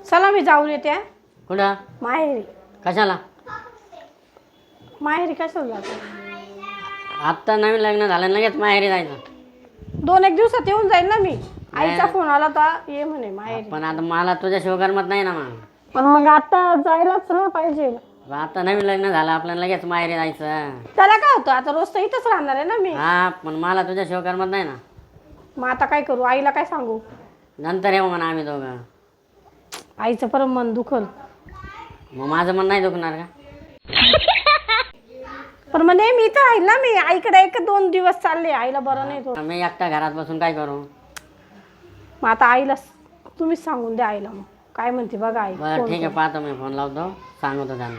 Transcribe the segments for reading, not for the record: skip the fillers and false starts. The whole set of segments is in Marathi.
चला मी जाऊन येते हा. कुठं? माहेरी. कशाला? माहेरी कशाला जातो? आत्ता नवीन लग्न झालं लगेच माहेरी जायचं. 2-1 दिवसात येऊन जाईल ना मी. आईचा फोन आला तर ये म्हणे माहेरी. पण आता मला तुझ्याशिवाय करमत नाही ना मग. पण मग आता जायलाच ना पाहिजे. आता नवीन लग्न झालं आपलं लगेच माहेरी जायचं. त्याला काय होतं आता रोज तर इथंच राहणार आहे ना मी. हा पण मला तुझ्याशिवाय करमत नाही ना. मग आता काय करू? आईला काय सांगू? नंतर येऊ म्हणा आम्ही दोघं. आईचं परत मन दुखल. मग माझं मन नाही दुखणार का? पण म्हणे मी तर राहील ना. मी आईकडे 1-2 दिवस चालले. आईला बरं नाही थोडं. मी एकटा घरात बसून काय करू? मग आता आईला तुम्हीच सांगून द्या आईला. मग काय म्हणते बघा आई. बरं ठीक आहे पाहतो मी फोन लावतो सांगतो त्यांना.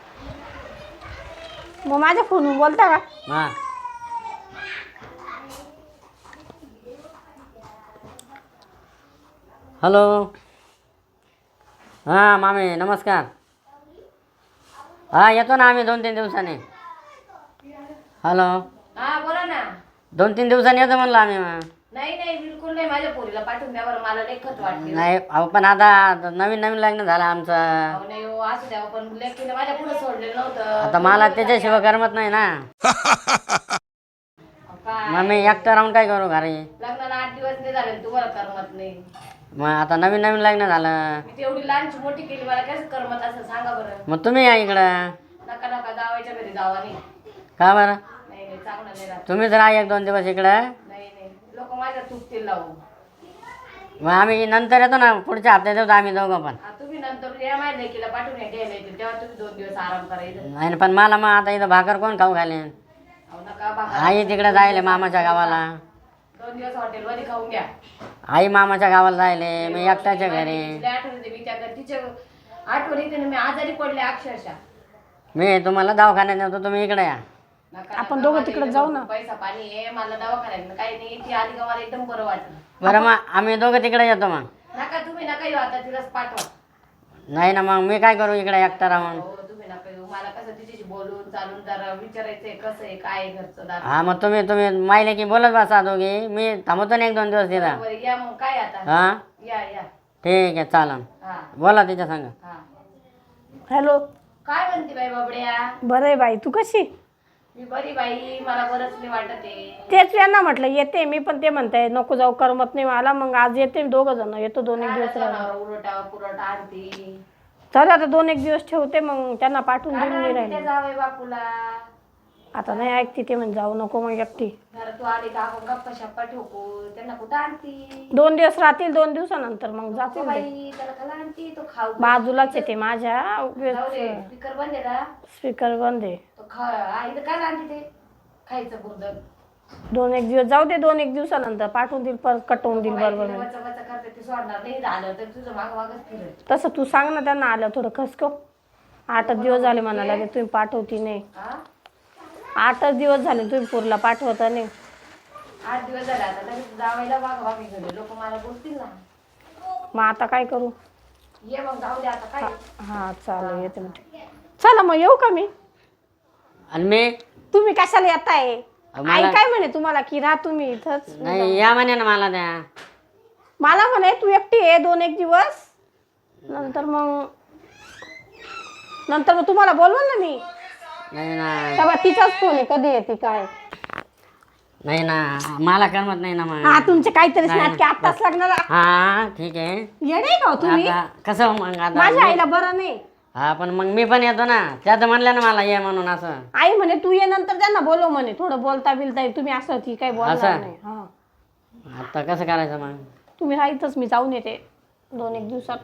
मग माझ्या फोनवरून बोलता का? हा हॅलो. हां मामी नमस्कार. हा येतो ना आम्ही 2-3 दिवसांनी. हॅलो. हा बोला ना. 2-3 दिवसांनी येतो म्हणलं आम्ही. नाही नाही बिलकुल नाही. माझ्या पोरीला पाठवून द्या बरं. मला लई खत वाटते. नाही अहो पण आता नवीन लग्न झालं आमचं. अहो नाही हो असू द्या. पण लेकीला माझ्या पुढे सोडलेलं नव्हतं. आता मला त्याच्याशिवाय करमत नाही ना. काय मग मी एकटं राहून काय करू घरी? लग्नाला 8 दिवस नाही झाले तुम्हाला करमत नाही. मग आता नवीन लग्न झालं. मी तेवढी लहानची मोठी केली. मला कसं करमत असं सांगा बरं. मग तुम्ही या इकडं. नका नका जावायच्या घरी जावा नाही. का बरं? नाही नाही चांगलं नाही राहत. तुम्हीच राहा 1-2 दिवस इकडं. नाही नाही लोक माझ्या चुकतील लावू. मग आम्ही नंतर येतो ना पुढच्या हप्त्यात येतो आम्ही दोघं पण. तुम्ही नंतर या माझ्या लेकीला पाठवून घ्यायला येतील तेव्हा तुम्ही 2 दिवस आराम करायचं. नाही पण मला मग आता इथं भाकर कोण खाऊ घालेन? अहो नका बाबा. आई तिकडे जायले मामाच्या गावाला. 2 दिवस हॉटेलमध्ये खाऊन घ्या. आई मामाच्या गावाला जायले मी एकट्याच्या घरी. तिला आठवण येते. मी त्या तिच्या आठवण येते ना. मी आजारी पडले अक्षरशः. मी तुम्हाला दवाखान्यात नेतो तुम्ही इकडे या. नका आपण नका. दोघं माझ्या तिकडे इथं जाऊ ना. पैसा पाणी आहे. मला दवाखान्यात काही नाही. ती आली का मला एकदम बरं वाटलं. बरं मग आम्ही दोघं तिकडे येतो मग. नका तुम्ही नका येऊ आता. तिलाच पाठवा. नाही ना मग मी काय करू इकडे एकटा राहून. हो तुम्ही नका येऊ. मला कसं तिच्याशी बोलून चालून जरा विचारायचंय कसं आहे काय आहे घरचं दार. हा मग तुम्ही माहिले की बोलत बसा दोघी. मी थांबतो ना 1-2 दिवस तिथं. बरं या मग काय आता. हा या या. ठीक आहे चालन. हा बोला तिच्या संग. हा. हॅलो. काय म्हणते बाई बाबड्या? बरं आहे बाई. तू कशी? मी बरी बाई. मला बरंच नाही वाटत आहे. तेच यांना म्हटलं येते मी. पण ते म्हणताय नको जाऊ करमत नाही मला. मग आज येते 2 जण. येतो 2-1 दिवस राहून. उलटा पुरटा आणते. चल आता 2-1 दिवस ठेवते. मग त्यांना पाठवून देऊन नाही राहिले. जावय बापूला. आता नाही ऐकते ते. म्हणजे जाऊ नको मग एकटी. जरा तू आली का आपण गप्पा शप्पा ठोकू. त्यांना कुठं आणती? 2 दिवस राहतील. 2 दिवसानंतर मग जातील ते. बाई त्याला खाला आणती तो खाऊ. बाजूलाच येते माझ्या. जाऊ दे. स्पीकर बंद आहे का? स्पीकर बंद आहे. तो इथं काय आणते ते खायचं बुरदक. 2-1 दिवस जाऊ दे. 2-1 दिवसानंतर पाठवून देईल. परत कटवून देईल बरोबर. वचा वचा करते ते सोडणार नाही. झालं तर तुझं माग मागच फिरत. तसं तू सांग ना त्यांना. आलं थोडं खसको. 8 दिवस झाले म्हणाला की तुम्ही पाठवती नाही. हा 8 दिवस झाले तुम्ही पोरला पाठवत नाही. 8 दिवस झाले आता लगेच जावायला माग मागे गेले. लोक मला बोलतील ना. मग आता काय करू? ये मग जाऊ दे आता काय. हा चालेल येते मग. चला मग येऊ का मी? आणि मी तुम्ही कशाला येताय? आई मला काय म्हणे तुम्हाला की राहा तुम्ही इथंच? नाही या म्हणे ना मला त्या. मला म्हणे तू एकटी आहे 2-1 दिवस. नंतर मग तुम्हाला बोलवल ना मी. नाही ना तेव्हा तिचाच फोन आहे. कधी येते काय? नाही ना मला करमत नाही ना मग. हा तुमचे काहीतरी नाही, नाटके आत्ताच लग्नाला. हा ठीक आहे. येडे का हो तुम्ही? आता कसं मग आता माझ्या आईला बरं नाही. हा पण मग मी पण येतो ना. त्यात म्हणलं ना मला ये म्हणून असं. आई म्हणे तू ये नंतर त्यांना बोलव म्हणे. थोडं बोलता बिलता तुम्ही असं ती काही बोलणार असं? नाही. हा आता कसं करायचं मग? तुम्ही राहीतच. मी जाऊन येते 2-1 दिवसात.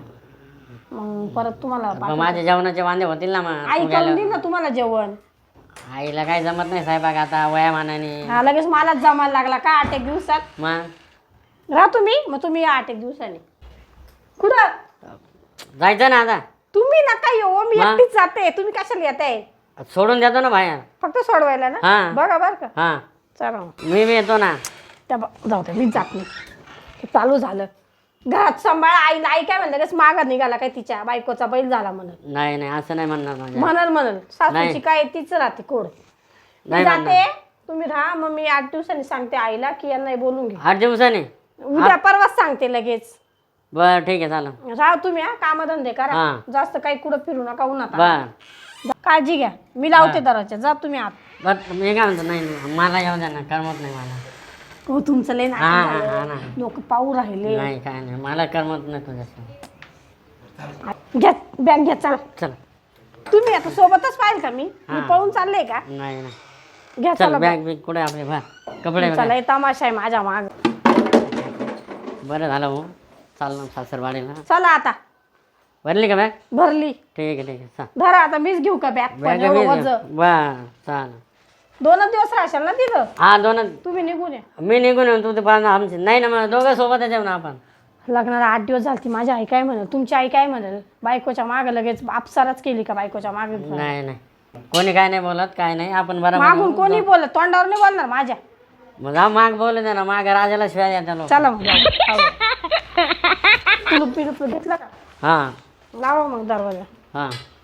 मग परत तुम्हाला मग माझ्या जेवणाचे वांदे होतील ना मग आई तू करून गेल्यावर. देईल ना तुम्हाला जेवण. आईला काही जमत नाही स्वयंपाक आता वयामानाने. हा लगेच मलाच जमायला लागला का 8-1 दिवसात? मग राहा तुम्ही. मग तुम्ही या 8-1 दिवसाने. कुठं? जायचं ना आता. तुम्ही नका येऊ. मी मग? एकटीच जाते. तुम्ही कशाला येताय? सोडून देतो ना बाहेर. फक्त सोडवायला ना. हा. बघा बरं का. हा चला मग. मी येतो ना. जाऊ दे. मीच जात नाही. हे चालू झालं. घरात सांभाळा आईला. आई काय म्हणलं मागा निघाला काय तिच्या बायकोचा बैल झाला म्हणत. नाही नाही असं नाही म्हणणार माझ्या. म्हणल सासूची नाही. काय तीच राहते कोड. मी नाही जाते. म्हणणार. तुम्ही राहा. मग मी 8 दिवसांनी सांगते आईला की यांना बोलून घे. 8 दिवसांनी. उद्या परवाच सांगते लगेच. बरं ठीक आहे चालेल. राहा तुम्ही हा कामधंदे करा. हा. जास्त काही कुठं फिरू नका उन्हात. बरं काळजी घ्या. मी लावते दरवाजा. जा तुम्ही आत. बरं मी काय म्हणतो नाही मला येऊ द्या ना करमत नाही मला. हो तुमचं लय हा हा हा नाटक ना झालं. लोक पाहू राहिले. नाही काय नाही मला करमत नाही तुझ्याशी. घ्या बॅग घ्या चला. चल तुम्ही आता सोबतच पाहिजे का मी पळून चालले का? नाही नाही घ्या चल चला बॅग बिग कुठे आपले भा कपडे चला हे तमाशा आहे माझ्या माग. बरं झालं हो चाललं सासरवाडीला. चला आता. भरली का बॅग? भरली. ठीक आहे चाल. धरा आता मीच घेऊ का बॅग? बॅग बरं चाल. 2 दिवस राहशाल ना तिथं. हा 2 तुम्ही निघून या. मी निघून येऊन तू ते पाहणं आमचे नाही ना मग दोघं सोबतच येऊ ना आपण. लग्नाला 8 दिवस झालती. माझी आई काय म्हणेल? तुमची आई काय म्हणेल? बायकोच्या मागे लगेच अपसारच केली का बायकोच्या मागे? नाही नाही कोणी काय नाही बोलत काय नाही आपण बरोबर मागून कोणी बोलत? तोंडावर नाही बोलणार माझ्या. मग हा माग बोलू दे ना माग राजाला शिवाय द्या लोक. चला मग कुलूप बिलूप घेतला का? हां लावा मग दरवाजा. हां